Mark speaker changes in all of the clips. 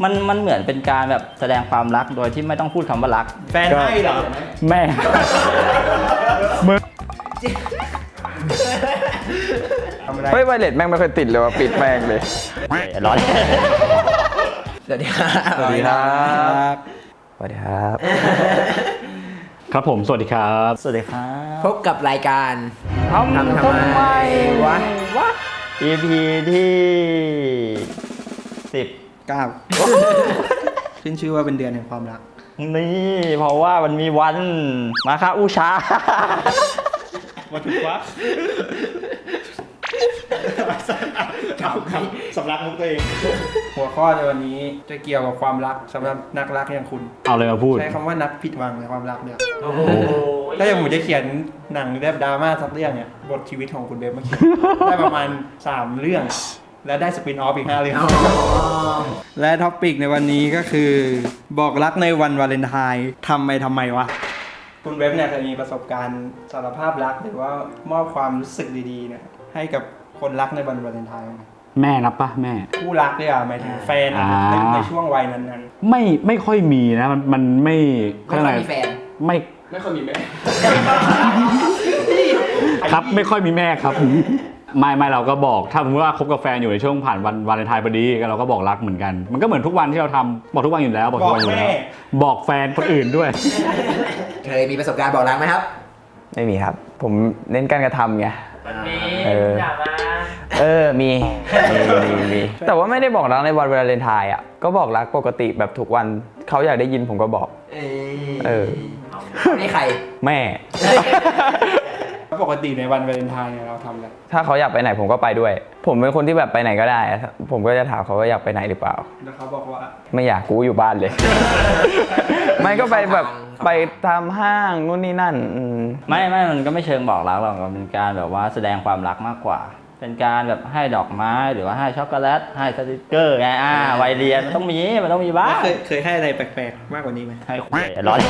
Speaker 1: มันเหมือนเป็นการแบบแสดงความรักโดยที่ไม่ต้องพูดคำว่ารัก
Speaker 2: แฟนให้เหรอ
Speaker 3: แม่มึงเฮ้ยไวเลสแม่งไม่เคยติดเลยว่ะปิดแม่งเลย
Speaker 1: ร้อน
Speaker 4: สวัสดีครับ
Speaker 3: สวัสดีครับสวัสดีครับ
Speaker 5: ครับผมสวัสดีครับ
Speaker 1: สวัสดีครับ
Speaker 4: พบกับรายการ
Speaker 1: ทำไมวะ EP ที่
Speaker 2: 9ขึ้นชื่อว่าเป็นเดือนแห่งความรัก
Speaker 1: นี่เพราะว่ามันมีวันมาคาอุชา
Speaker 2: วันถูกวะสำลักมุกตัวเองหัวข้อในวันนี้จะเกี่ยวกับความรักสำหรับนักรักอย่างคุณ
Speaker 5: เอาเลยมาพูด
Speaker 2: ใช้คำว่านักผิดหวังในความรักเนี่ยถ้าอย่างผมจะเขียนหนังแบบดราม่าสักเรื่องเนี่ยบทชีวิตของคุณเบฟมาเขียนได้ประมาณ3เรื่องและได้สปินออฟอีก5เรื่องและท็อปิกในวันนี้ก็คือบอกรักในวันวาเลนไทน์ทำไมวะคุณเบฟเนี่ยเคยมีประสบการณ์สารภาพรักหรือว่ามอบความรู้สึกดีๆเนี่ยให้กับคนรักในวันวาเลนไทน์ไหม
Speaker 5: แม่นับปะแม่
Speaker 2: คู่รักเนี่ยหมายถึงแฟนในช่วงวัยนั้น
Speaker 5: ๆไม่ค่อยมีนะมันไม่
Speaker 4: ค่อยมีแฟน
Speaker 2: ไม่ค่อยมีแม่
Speaker 5: ครับไม่ค่อยมีแม่ครับไม่เราก็บอกถ้าสมมติว่าคบกับแฟนอยู่ในช่วงผ่านวันวาเลนไทน์พอดีเราก็บอกรักเหมือนกันมันก็เหมือนทุกวันที่เราทำบอกทุกวันอยู่แล้วบอกทุกวันอยู่แล้วบอกแฟนคนอื่นด้วย
Speaker 4: เคยมีประสบการณ์บอกรักไหมครับ
Speaker 3: ไม่มีครับผมเน้นการกระทำไง
Speaker 1: มี
Speaker 3: มีแต่ว่าไม่ได้บอกรักในวันวาเลนไทน์อ่ะก็บอกรักปกติแบบทุกวันเขาอยากได้ยินผมก็บอก
Speaker 4: นี่ใคร
Speaker 3: แม่
Speaker 2: ปกติในวันวาเลนไทน์เนี่ยเราทำอะไร
Speaker 3: ถ้าเขาอยากไปไหนผมก็ไปด้วยผมเป็นคนที่แบบไปไหนก็ได้ผมก็จะถามเขาว่าอยากไปไหนหรือเปล่า
Speaker 2: แล้วเขาบอกว่า
Speaker 3: ไม่อยากกูอยู่บ้านเลยไม่ก็ไปแบบไปตามห้างนู่นนี่นั่น
Speaker 1: ไม่มันก็ไม่เชิงบอกรักหรอกมันเป็นการแบบว่าแสดงความรักมากกว่าเป็นการแบบให้ดอกไม้หรือว่าให้ช็อกโกแลตให้สติกเกอร์ไงวัยเรียนมันต้องมีบ้าง
Speaker 2: เคยให้อะไรแปลกๆมากกว่านี้ไหม
Speaker 1: ให้ร้อน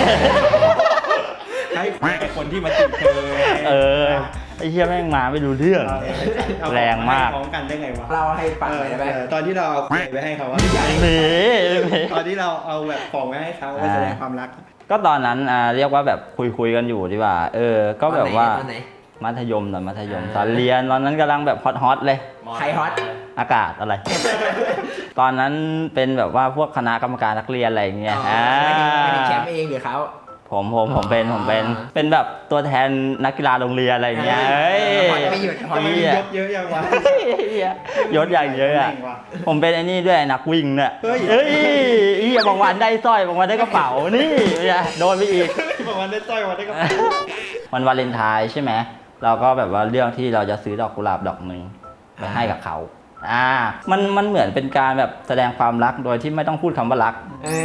Speaker 2: ให้คนที่มาติดเธอ
Speaker 1: ไอ้เหี้ยแม่งมาไม่รู้เรื่องแรงมาก
Speaker 2: พร้อมกันได้ไงวะ
Speaker 4: เราให้ฟังเลยได้ไหม
Speaker 2: ตอนที่เราเอาไปให้เขาตอนที่เราเอาแบบของไปให้เขาไปแสดงความรัก
Speaker 1: ก็ตอนนั้นเรียกว่าแบบคุยกันอยู่ดีกว่าก็แบบว่ามัธยมตอนเรียนตอนนั้นกำลังแบบฮอตเลย
Speaker 4: ใครฮอต
Speaker 1: อากาศอะไรตอนนั้นเป็นแบบว่าพวกคณะกรรมการนักเรียนอะไรอย่างเงี้ย
Speaker 4: เป็นแชมป์เองหรือเขา
Speaker 1: ผมเป็นแบบตัวแทนนักกีฬาโรงเรียนอะไรอย่างเงี้ย
Speaker 4: ไม่หยุด
Speaker 2: ทำไมยศเยอะอย่างวะ
Speaker 1: ยศอย่างเยอะอ่ะผมเป็นไอ้นี่ด้วยนักวิ่งเนี่ยบางวันได้สร้อยบางวันได้กระเป๋านี่โดนไปอีก
Speaker 2: บางวันได้สร้อยบางวันได้กระเป๋า
Speaker 1: วันวาเลนไทน์ใช่ไหมเราก็แบบว่าเรื่องที่เราจะซื้อดอกกุหลาบดอกนึงไปให้กับเขามันเหมือนเป็นการแบบแสดงความรักโดยที่ไม่ต้องพูดคำว่ารัก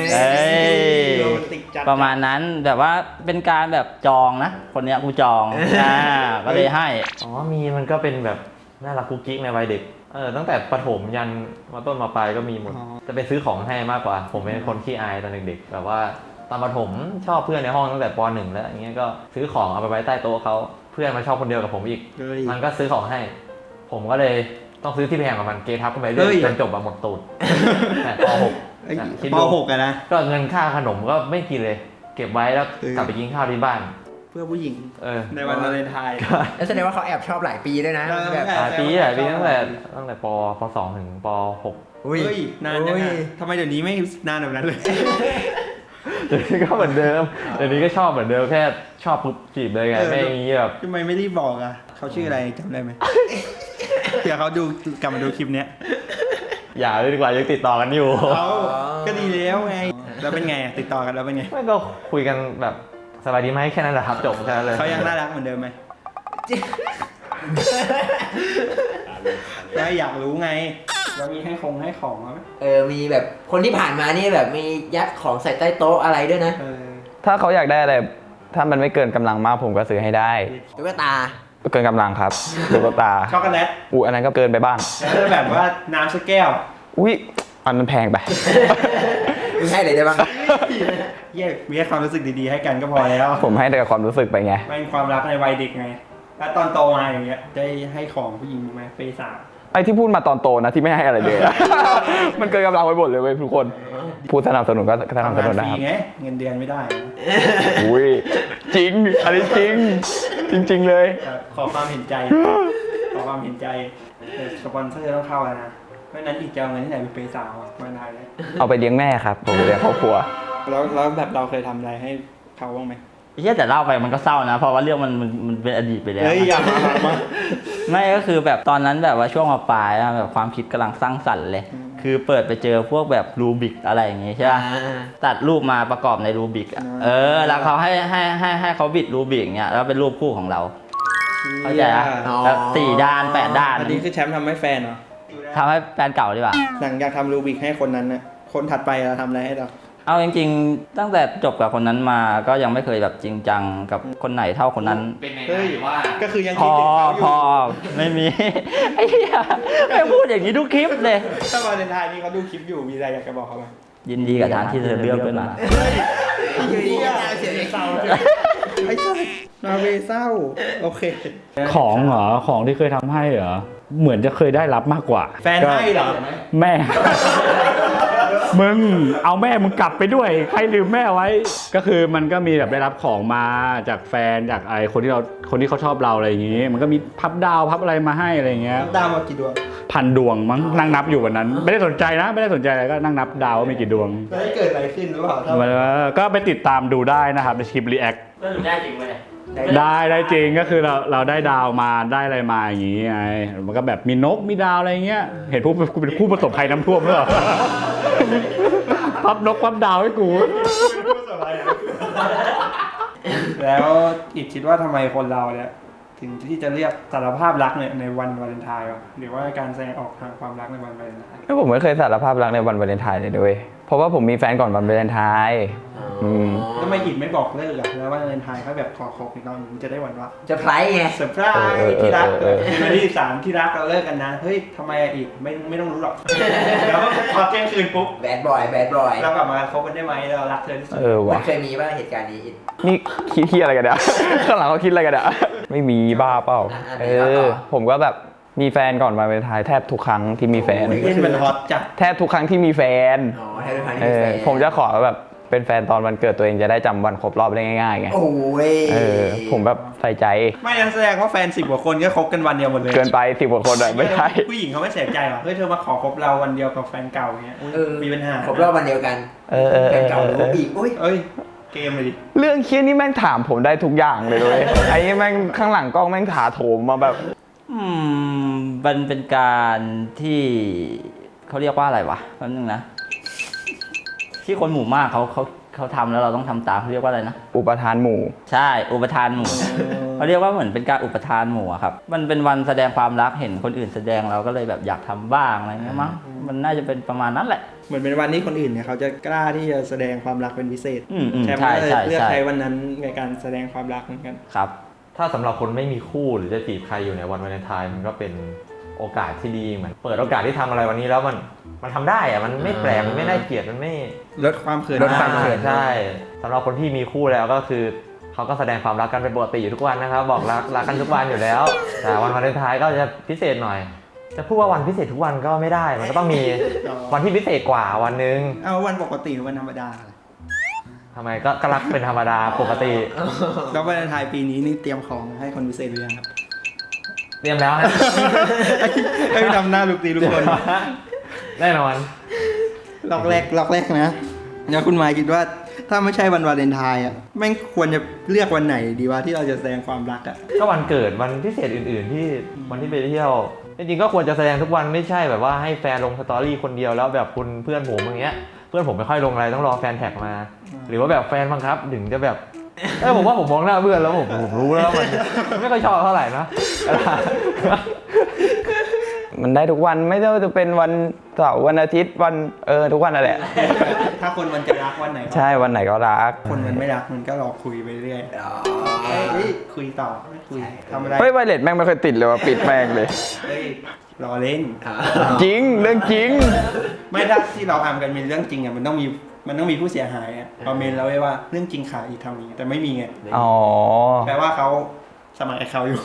Speaker 1: ประมาณนั้นแบบว่าเป็นการแบบจองนะคนเนี้ยกูจองก็เลยให้
Speaker 3: มันก็เป็นแบบน่ารักกุ๊กกิ๊กในวัยเด็กตั้งแต่ประถมยันมาต้นมาปลายก็มีหมดจะไปซื้อของให้มากกว่าผมเป็นคนขี้อายตอนเด็กๆแบบว่าตอนประถมชอบเพื่อนในห้องตั้งแต่ป .1 แล้วอย่างเงี้ยก็ซื้อของเอาไปไว้ใต้โต๊ะเขาเพื่อนมาชอบคนเดียวกับผมอีกมันก็ซื้อของให้ผมก็เลยต้องซื้อที่แพงกว่ามันเกทับขึ้นไปเรื่อยจนจบแบบหมดตูดป .6
Speaker 2: ป .6 อะนะ
Speaker 3: ก็เงินค่าขนมก็ไม่กินเลยเก็บไว้แล้วกลับไปกินข้าวที่บ้าน
Speaker 2: เพื่อผู้หญิงในวันวาเลนไทน์
Speaker 4: แล้วแสดงว่าเขาแอบชอบหลายปีด้วยนะ
Speaker 3: แบบหลายปีตั้งแต่ป .2 ถึงป .6
Speaker 2: อุ้ยนานจังทำไมเดี๋ยวนี้ไม่นานแบบนั้นเลย
Speaker 3: เดี๋ยวนี้ก็เหมือนเดิมเดี๋ยวนี้ก็ชอบเหมือนเดิมแค่ชอบปุ๊บจีบเลยไงไม่อย่างนี้แบบ
Speaker 2: ทำไมไม่รีบบอกอ่ะเขาชื่ออะไรจำได้ไหมเดี๋ยวเขาดูกลับมาดูคลิปเนี้ย
Speaker 3: อย่าเลยดีกว่ายังติดต่อกันอยู่
Speaker 2: ก็ดีแล้วไงแล้วเป็นไงติดต่อกันแล้วเป็นไง
Speaker 3: ไม่ก็คุยกันแบบสบายดีไหมแค่นั้นแหละครับจบแค่นั้นเลย
Speaker 2: เขายังน่ารักเหมือนเดิมไหมอยากรู้ไงว่ามีให้ของไหม
Speaker 4: มีแบบคนที่ผ่านมานี่แบบมียัดของใส่ใต้โต๊ะอะไรด้วยนะ
Speaker 3: ถ้าเขาอยากได้อะไรถ้ามันไม่เกินกำลังมากผมก็ซื้อให้ได้
Speaker 4: ตุ๊กตา
Speaker 3: เกินกำลังครับตุ๊กตา
Speaker 2: ช็อกโกแลต
Speaker 3: อันนั้นก็เกินไปบ้าง
Speaker 2: แบบว่าน้ำสักแก้ว
Speaker 3: อันนั้นแพงไป
Speaker 4: ไม่ให้เลยได้บ้าง
Speaker 2: มีแค่ความรู้สึกดีๆให้กันก็พอแล้ว
Speaker 3: ผมให้แต่ความรู้สึกไปไง
Speaker 2: เป็นความรักในวัยเด็กไงแล้วตอนโตมาอย่างเงี้ยได้ให้ของผู้หญิงไหมเปย์สาว
Speaker 3: ไอ้ที่พูดมาตอนโตนะที่ไม่ให้อะไรเลยมันเกินกำลังไปหมดเลยเว้ยทุกคน
Speaker 6: ผู้สนับสนุนก็สนับส
Speaker 2: ทำงาน
Speaker 6: นุน
Speaker 2: ฟ
Speaker 6: ได้
Speaker 2: รี
Speaker 6: ครับ
Speaker 2: ไงเงินเดือนไม่ได้
Speaker 6: อุ้ยจริง อันนี้จริง จริง ๆ เลย
Speaker 2: ขอความเห็นใจ ขอความเห็นใจแต่สปอนเซอร์ต้องเข้าแล้วนะเพราะฉะนั้นอีกจะเอาเงินที่ไหนไปเปย์สาวอ่ะมาได้เลย
Speaker 6: เอาไปเลี้ยงแม่ครับ ผมเลี้ยงครอบครัว
Speaker 2: แล้วแบบเราเคยทำอะไรให้เขาบ้างไหม
Speaker 1: เฮียแต่เล่าไปมันก็เศร้านะ เพราะว่าเรื่องมันเป็นอดีตไปแล้ว
Speaker 2: เฮ้ยอย่ามา
Speaker 1: ไม่ก็คือแบบตอนนั้นแบบว่าช่วงมปลายอะแบบความคิดกำลังสร้างสรรค์เลย คือเปิดไปเจอพวกแบบรูบิกอะไรอย่างงี้ใช่ป่ะตัดรูปมาประกอบในรูบิกอ่ะแล้วเขาให้เขาบิดรูบิกเงี้ยแล้วเป็นรูปคู่ของเราเข้าใจอ่ะแบบ4 ด้าน 8 ด้าน
Speaker 2: อันนี้คือแชมป์ทำให้แฟนเหรอ
Speaker 1: ทำให้แฟนเก่าดีกว่า
Speaker 2: หลังจากทำรูบิกให้คนนั้นน่ะคนถัดไปเราทำอะไรให้เรา
Speaker 1: เอาจริงๆตั้งแต่จบกับคนนั้นมาก็ยังไม่เคยแบบจริงจังกับคนไหนเท่าคนนั้น
Speaker 3: เป็นไง
Speaker 2: เฮ้ย
Speaker 3: ว่า
Speaker 2: ก็คือยัง
Speaker 1: พ
Speaker 2: คิด
Speaker 1: อ
Speaker 2: ถึงเขาอ
Speaker 1: พ
Speaker 2: ยู่
Speaker 1: อไม่มี ไอ้เหี้ยไม่พูดอย่างนี้ทุกคลิปเลย
Speaker 2: ถ้าวาเลนไทน์นี่เขาดูคลิปอยู่มีอะไรอยากจะบอกเขาไหม
Speaker 1: ยินดีกับทางที่เธอเลือกด้วยนะ
Speaker 4: อยู่ดีก็เสียง
Speaker 2: เศร้าไอ้เศร้านาเวเศร้าโอเค
Speaker 5: ของเหรอของที่เคยทำให้เหรอเหมือนจะเคยได้รับมากกว่า
Speaker 2: แฟนให้เหรอ
Speaker 5: แม่ มึงเอาแม่มึงกลับไปด้วยใครลืมแม่ไว้ ก็คือมันก็มีแบบได้รับของมาจากแฟนจากไอคนที่เขาชอบเราอะไรอย่างงี้ มันก็มีพับดาวพับอะไรมาให้อะไรอย่างเงี้ย
Speaker 2: ดาวมากี่ดวง
Speaker 5: 1,000 ดวงมั้งนั่งนับอยู่วันนั้น ไม่ได้สนใจนะไม่ได้สนใจอะไรก็นั่งนับดาวว่ามีกี่ดวง
Speaker 2: แล้วเกิดอะไรขึ้นหรือเปล่าถ้า
Speaker 5: ก็ไปติดตามดูได้นะครับในคลิปรีแอค
Speaker 1: ก็ได้จริงไหม
Speaker 5: ได้จริงก็คือเราได้ดาวมาได้อะไรมาอย่างงี้ไงมันก็แบบมีนกมีดาวอะไรเงี้ยเห็นกูเป็นผู้ประสบภัยน้ำท่วมหรือเปล่า พับนกพับดาวให้กู
Speaker 2: แล้วอีกคิดว่าทำไมคนเราเนี่ยถึงที่จะเรียกสารภาพรักเนี่ยในวันวาเลนไทน์วะหรือว่าการแสดงออกทางความรักในวันวาเลนไทน์
Speaker 6: ผมไม่เคยสารภาพรักในวันวาเลนไทน์เลยด้วยเพราะว่าผมมีแฟนก่อนวันวาเลนไทน์ม
Speaker 2: ทำไมอิดไม่บอกเลิกอ่ะแล้ววันวาเลนไทน์เขาแบบขอคบอีกรอบนึงจะได้หวันว่า
Speaker 4: จะไพรส์ไง
Speaker 2: เซอร์ไพรส์ที่รักเป็นวันที่3ที่รักเราเลิกกันนะเฮ้ยทำไมอีกไม่ต้องรู้หรอกแล้วพอเที่ยงคืนปุ๊บ
Speaker 4: แบดบอย
Speaker 2: เรากลับมาคบกันได้ไหมเรารักเธอที่สุด
Speaker 4: มัน
Speaker 6: ว่ะ
Speaker 4: เคยมีป่ะเหตุการณ์นี้อิด
Speaker 6: นี่คิดอะไรกันเนี่ย ข้างหลังเขาคิดอะไรกันเนี่ยไม่มีบ้าเปล่า ผมก็แบบมีแฟนก่อนวันวาเลนไทน์แทบทุกครั้งที่มีแฟน
Speaker 2: เล่นมันฮอตจัด
Speaker 6: แทบทุกครั้งที่มีแฟน
Speaker 4: อ๋อให้เป็นพันที่แฟน
Speaker 6: ผมจะขอแบบเป็นแฟนตอนวันเกิดตัวเองจะได้จำวันครบรอบได้ง่ายๆไง
Speaker 4: โอ้ย
Speaker 6: ผมแบบใส่ใจ
Speaker 2: ไม่งั้นแสดงว่าแฟน10 กว่าคนก็คบกันวันเดียวหมดเลย
Speaker 6: เกินไป10 กว่าคนอะไม่ใช่
Speaker 2: ผู้หญิงเขาไม่เสียใจหรอเฮ้ยเธอมาขอคบเราวันเดียวกับแฟนเก่าเงี้ยอุ๊ยมีปัญหา
Speaker 4: ครบรอบวันเดียวกันแฟนเก่าหรือว่าบีบอุ้ย
Speaker 2: เอ้ยเกมเลยดิ
Speaker 6: เรื่องเครียดนี่แม่งถามผมได้ทุกอย่างเลยด้วย ไอ้นี่แม่งข้างหลังกล้องแม่งถาโถมมาแบบ
Speaker 1: มันเป็นการที่เขาเรียกว่าอะไรวะแป๊บนึงนะ ที่คนหมู่มากเขาทำแล้วเราต้องทำตามเขาเรียกว่าอะไรนะ
Speaker 6: อุปทานหมู่
Speaker 1: ใช่อุปทานหมู่เขาเรียกว่าเหมือนเป็นการอุปทานหมู่อะครับมันเป็นวันแสดงความรักเห็นคนอื่นแสดงเราก็เลยแบบอยากทำบ้างอะไรเงี้ยมั้งมันน่าจะเป็นประมาณนั้นแหละ
Speaker 2: เหมือนเป็นวันที่คนอื่นเนี่ยเขาจะกล้าที่จะแสดงความรักเป็นพิเศษ
Speaker 1: ใช่
Speaker 2: แชมป์ก็เลย
Speaker 1: ใช่
Speaker 2: เลือก
Speaker 1: ใช่
Speaker 2: ใช้วันนั้นในการแสดงความรักเหมือนกัน
Speaker 1: ครับ
Speaker 3: ถ้าสำหรับคนไม่มีคู่หรือจะจีบใครอยู่ในวันวาเลนไทน์มันก็เป็นโอกาสที่ดีเหมือนเปิดโอกาสที่ทำอะไรวันนี้แล้วมันทำได้อะมันไม่แปลกมันไม่น่าเกลียดมันไม่
Speaker 2: ลดความเขิน
Speaker 3: ลดความเขินใช่สำหรับคนที่มีคู่แล้วก็คือเขาก็แสดงความรักกันเป็นปกติอยู่ทุกวันนะครับ บอกรักกันทุกวันอยู่แล้ว แต่วันวาเลนไทน์ก็จะพิเศษหน่อย จะพูดว่าวันพิเศษทุกวันก็ไม่ได้ มันก็ต้องมีวันที่พิเศษกว่าวันนึง
Speaker 2: เอาวันปกติหรือวันธรรมดา
Speaker 3: ทำไมก็รักเป็นธรรมดาปกติ
Speaker 2: แล้ววันวาเลนไทน์ปีนี้นี่เตรียมของให้คนพิเศษหรือยังครับ
Speaker 3: เตรียมแล้วฮะ
Speaker 2: ให้ทำหน้าลูกตีลูกคน
Speaker 3: แน่นอน
Speaker 2: ล็อกแรกนะแล้วคุณหมายคิดว่าถ้าไม่ใช่วันวาเลนไทน์อ่ะแม่งควรจะเลือกวันไหนดีวะที่เราจะแสดงความรักอ่ะ
Speaker 3: ก็วันเกิดวันพิเศษอื่นๆที่วันที่ไปเที่ยวจริงๆก็ควรจะแสดงทุกวันไม่ใช่แบบว่าให้แฟนลงสตอรี่คนเดียวแล้วแบบคุณเพื่อนผมอย่างเงี้ยเพื่อนผมไม่ค่อยลงอะไรต้องรอแฟนแท็กมา หรือว่าแบบแฟนบังคับถึงจะแบบผมว่าผมมองหน้าเพื่อนแล้วผมรู้แล้วมันไม่ค่อยชอบเท่าไหร่นะ
Speaker 6: มันได้ทุกวันไม่ว่าจะเป็นวันเสาร์วันอาทิตย์วันทุกวันนั่นแหละ
Speaker 2: ถ้าคนมันจะรักวันไหน
Speaker 6: ใช่วันไหนก็รัก
Speaker 2: คนมันไม่รักมันก็รอคุยไปเรื่อย
Speaker 4: อ๋อ
Speaker 2: เฮ้ยคุยต่อไม่คุยทำอะไร
Speaker 6: เฮ้ยไวเลสแม่งไม่เคยติดเลยว่ะปิดแม่งเลย
Speaker 2: เฮ้ยรอเล่น
Speaker 6: จริงเรื่องจริง
Speaker 2: ไม่ถ้าที่เราทำกันเป็นเรื่องจริงอ่ะมันต้องมีผู้เสียหายอ่ะคอมเมนต์แล้วไว้ว่าเรื่องจริงขายอีกทำนี้แต่ไม่มีไง
Speaker 6: อ๋อ
Speaker 2: แปลว่าเขาสมัครไอ้เขาอยู่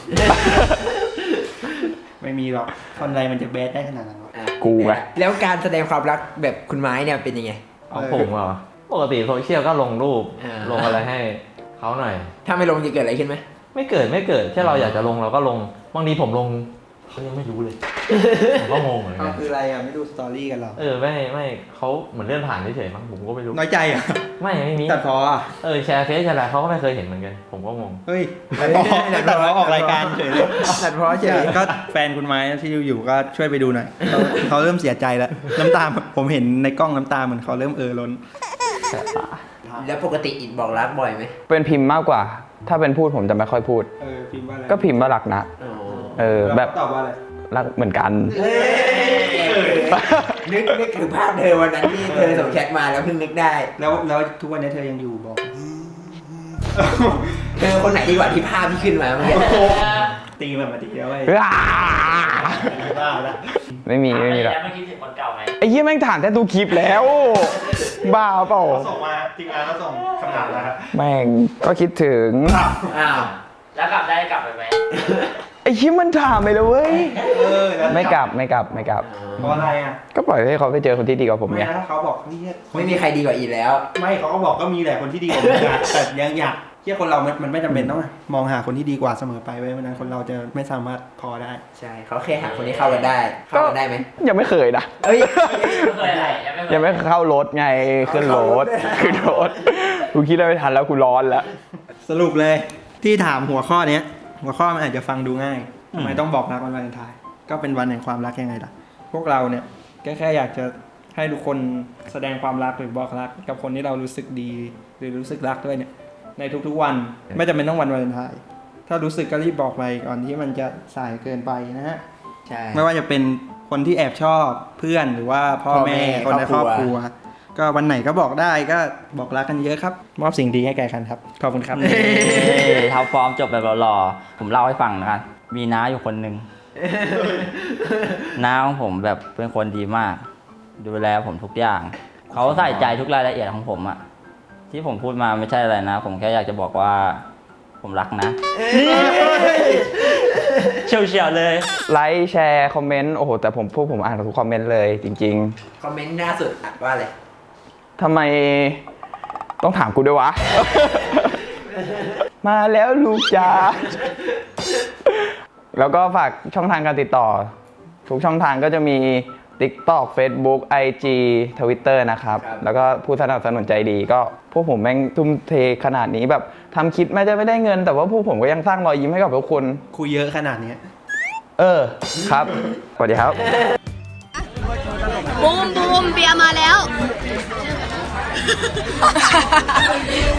Speaker 2: ไม่มีหรอกคนอะไรมันจะแบดได้ขนาดนั้นวะ
Speaker 6: กูไง
Speaker 4: แล้วการแสดงความรักแบบคุณไม้เนี่ยเป็นยังไง
Speaker 3: เอาผมเหรอ ปกติโซเชียลก็ลงรูป
Speaker 4: อ่า
Speaker 3: ลงอะไรให้เขาหน่อย
Speaker 4: ถ้าไม่ลงจะเกิดอะไรขึ้นไหม
Speaker 3: ไม่เกิดแค่เราอยากจะลงเราก็ลง บางทีผมลงเขายังไม่รู้เลย ผมก็งงเหมือน
Speaker 2: เอา
Speaker 3: กัน
Speaker 2: คืออะไรอ่ะ ไม่ดูสตอรี่กันหรอ
Speaker 3: ไม่เขาเหมือนเลื่อนผ่านเฉยๆมั้งผมก็ไม่รู้
Speaker 2: น้อยใจอ่ะ
Speaker 3: ไม่มี
Speaker 2: ตัดพออ่ะ
Speaker 3: แชร์เฟซแชร์อะไรเขาก็ไม่เคยเห็นเหมือนกัน ผมก็งง
Speaker 2: เฮ้ยตัดพอออกรายการเฉยเลย
Speaker 4: ตัดเพราะเฉย
Speaker 2: ก็แฟนคุณไม้ที่อยู่ก็ช่วยไปดูหน่อยเขาเริ่มเสียใจแล้ว น้ำตาผมเห็นในกล้องน้ำตาเหมือนเขาเริ่มล้น
Speaker 4: แล้วปกติอิดบอกรักบ่อยไหม
Speaker 6: เป็นพิมพ์มากกว่า ถ้าเป็นพูดผมจะไม่ค่อยพูด
Speaker 2: พิมพ์ว่าอะไร
Speaker 6: ก็พิมพ์ว่ารักนะ แบบ
Speaker 2: ตอบว่าอะไร
Speaker 6: รักเหมือนกัน
Speaker 4: นึกถึงภาพเธอวันนั้นที่เธอส่งแชทมาแล้วเพิ่งนึกได้
Speaker 2: แล้วทุกวันนี้เธอยังอยู่บอก
Speaker 4: เธอคนไหนดีกว่าที่ภาพที่ขึ้นมาเมื่อกี้
Speaker 2: ตีแบบมาตีแล้วไอ้
Speaker 6: ว้า
Speaker 2: บ้าแล้ว
Speaker 6: ไม่มีหรอก
Speaker 1: แล้วไม่คิดถึงคนเก่าไหม
Speaker 6: ไอ้เหี้ยแม่งถามแต่ดูคลิปแล้ว บ้าเปล่า
Speaker 2: เขาส่งมาทีมงานเขาส่งคำถามแล้วครับ
Speaker 6: แม่งก็คิดถึง
Speaker 4: อ้าว
Speaker 1: แล้วกลับได้กลับไปไหม
Speaker 6: ไอ้เหี้ยมันถามไปเลยเว้ย
Speaker 2: แล้ว
Speaker 6: ไม่กลับ
Speaker 2: เพราะอะไรอ่ะ
Speaker 6: ก็ปล่อยให้เขาไปเจอคนที่ดีกว่าผม
Speaker 2: ไม่
Speaker 6: ไง
Speaker 2: นะเขาบอกนี่
Speaker 4: ไม่มีใครดีกว่าอิดแล้ว
Speaker 2: ไม่เขาก็บอกก็มีแหละคนที่ดีกว่ามึงอะแต่ยังอยากเที่ยคนเรามันไม่จำเป็นต้องมองหาคนที่ดีกว่าเสมอไปไว้ยวันนั้นคนเราจะไม่สามารถพอได้
Speaker 4: ใช่เขาแค่หาคนที่เข้ากันได้ เข้ากันได้ไหม
Speaker 6: ยังไม่เคยนะ
Speaker 4: เอ้ย
Speaker 1: ไม่เคยอะไรยังไม่เคย
Speaker 6: ยังไม่เข้ารถไงขึ้นรถกูคิดได้ไม่ทันแล้วกูร้อนแล้ว
Speaker 2: สรุปเลยที่ถามหัวข้อเนี้ย หัวข้อมันอาจจะฟังดูง่ายทำไมต้องบอกรักวันวาเลนไทน์ก็เป็นวันแห่งความรักยังไงล่ะ พวกเราเนี่ยแค่อยากจะให้ทุกคนแสดงความรักหรือบอกรักกับคนที่เรารู้สึกดีหรือรู้สึกรักด้วยเนี่ยในทุกๆวันไม่จำเป็นต้องวันวาเลนไทน์ถ้ารู้สึกก็รีบบอกไปก่อนที่มันจะสายเกินไปนะฮะ
Speaker 4: ใช่
Speaker 2: ไม่ว่าจะเป็นคนที่แอบชอบเพื่อนหรือว่าพ่อแม่คนในครอบครัว ก็วันไหนก็บอกได้ก็บอกรักกันเยอะครับ มอบสิ่งดีให้แก่กันครับ ขอบคุณครับ
Speaker 1: ท็อปฟอร์มจบแบบหล่อๆผมเล่าให้ฟังนะครับมีน้าอยู่คนหนึ่ง น้าของผมแบบเป็นคนดีมาก ดูแลผมทุกอย่าง เขาใส่ใจทุกรายละเอียดของผมอะที่ผมพูดมาไม่ใช่อะไรนะ ผมแค่อยากจะบอกว่า ผมรักนะ เฉียวๆเลย
Speaker 6: ไลค์แชร์คอมเมนต์โอ้โหแต่ผมอ่านทุกคอมเมนต์เลยจริง
Speaker 4: คอมเมนต์ล่าสุดอ่านว่าอะไร
Speaker 6: ๆทำไมต้องถามกูด้วยวะ มาแล้วลูกจ๋าแล้วก็ฝากช่องทางการติดต่อ ทุกช่องทางก็จะมี TikTok Facebook IG Twitter นะครับ แล้วก็ผู้สนับสนุนใจดีก็พวกผมแม่งทุ่มเทขนาดนี้แบบทำคลิปแม้จะไม่ได้เงิน แต่ว่าพวกผมก็ยังสร้างรอยยิ้มให้กับทุกคน
Speaker 2: คุยเยอะขนาดเนี้ย
Speaker 6: ครับสวัสดีครับ
Speaker 7: บูมเบียร์มาแล้ว